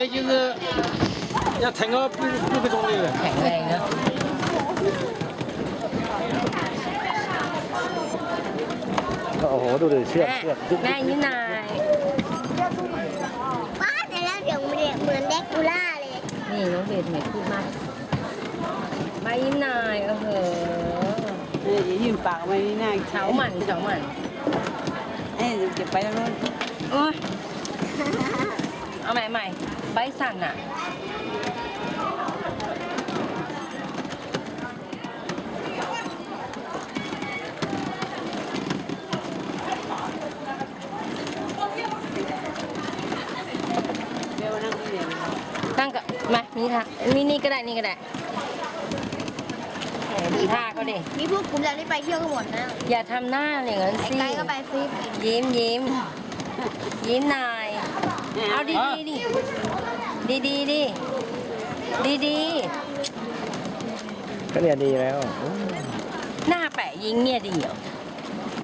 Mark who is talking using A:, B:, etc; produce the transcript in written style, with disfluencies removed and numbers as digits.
A: 就是要腾个6个钟头的。
B: แข็งแรงเนอะ
C: โอ้โหดูดิเชือก
B: แม่
C: เชือก
B: แม่ยิ้มหน่อย
D: ว้าแต่แล้วเดี๋ยวเหมือนเด็กกูล่าเลย
B: นี่น้องเบสเหมือนพูดมากใบยิ้มหน่อยโอ้โห
E: อย่ายืนปากไว้หน้า
B: เฉาหมันเฉาหมัน
E: เก็บไปแล้วนู้น
B: โอ้ยเอาใหม่ใหม่ใบสั่นอ่ะ
E: เดี๋ยวนั่งนี่
B: ตั้งกับมานี่ค่ะนี่ก็ได้นี่ก็ได้แหมดูท่าเขาดิ
D: มีพวกกลุ่มเราที่ไปเที่ยวกันหมดนะ
B: อย่าทำหน้าอย่างนั้น
D: ไอ้
B: สิ
D: ไกด์ก็ไปซิ
B: ยิ้มยิ้มยิ้มหน่อยเอาดีดีดิดีดีดิดีดี
C: ก็เนี่ยดีแล้ว
B: หน้าแปะยิงเนี่ยดีเหรอ